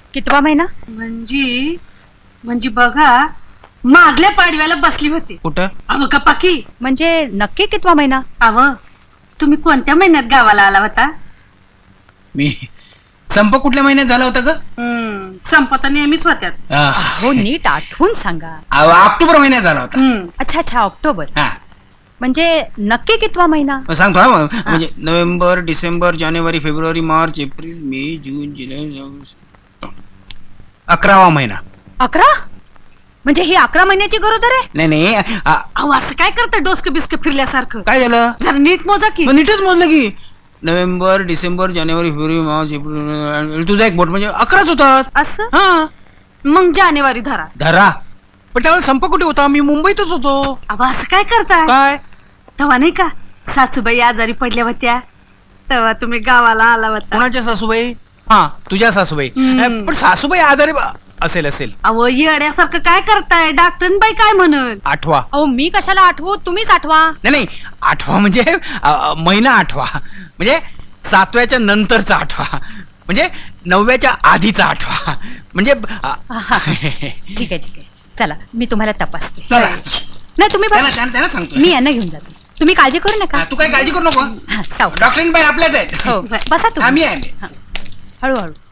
कितवा महिना? म्हणजे बघा, मागल्या पाडव्याला बसली होती. कुठं? अव का पाकी, म्हणजे नक्की कितवा महिना? अव तुम्ही कोणत्या महिन्यात गावाला आला होता? मी संप कुठल्या महिन्यात झाला होता ग? संपत नेहमीच होत्यात. हो, नीट आठवून सांगा. ऑक्टोबर महिन्यात झाला होता. अच्छा अच्छा, ऑक्टोबर. हा म्हणजे नक्की कितवा महिना? सांगतो हा म्हणजे नोव्हेंबर, डिसेंबर, जानेवारी, फेब्रुवारी, मार्च, एप्रिल, मे, जून, जुलै, ऑगस्ट. 11वा महिना. 11? म्हणजे ही 11 महिन्याची गरोदर आहे? नाही नाही अहो असं काय करतं डोसकं बिस्क फिरल्यासारखं? काय झालं? जरा नीट मोजा की. मग नीटच मोजलं की. नोव्हेंबर, डिसेंबर, जानेवारी, फेब्रुवारी, मार्च, एप्रिल. तुझा एक बोट म्हणजे 11च होतात. असं? हा मग जानेवारी धरा. धरा. पण त्यावेळेस संप कुठे होता? मी मुंबईतच होतो. अहो असं काय करताय? काय? तेव्हा नाही का सासूबाई आजारी पडल्या होत्या, तेव्हा तुम्ही गावाला आला होता. कोणाच्या सासूबाई? हा तुझ्या सासूबाई. पण सासूबाई आजारी असेल. अहो येड्यासारखं काय करताय? डॉक्टरबाई काय म्हणत? आठवा. अहो मी कशाला आठवू, तुम्हीच आठवा. नाही आठवा म्हणजे महिना आठवा, म्हणजे 7व्याच्या नंतरचा आठवा, म्हणजे 9व्याच्या आधीचा आठवा, म्हणजे ठीक आहे. चला मी तुम्हाला तपासते. चला. नाही तुम्ही बसा. त्यांना सांगतो. मी यांना घेऊन जाते. तुम्ही काळजी करू नका. तू काही काळजी करू नको. सावकाश. डॉक्टरीन बाई आपल्याच आहेत. हो बसा आम्ही तुम्ही. आहे. हळूहळू.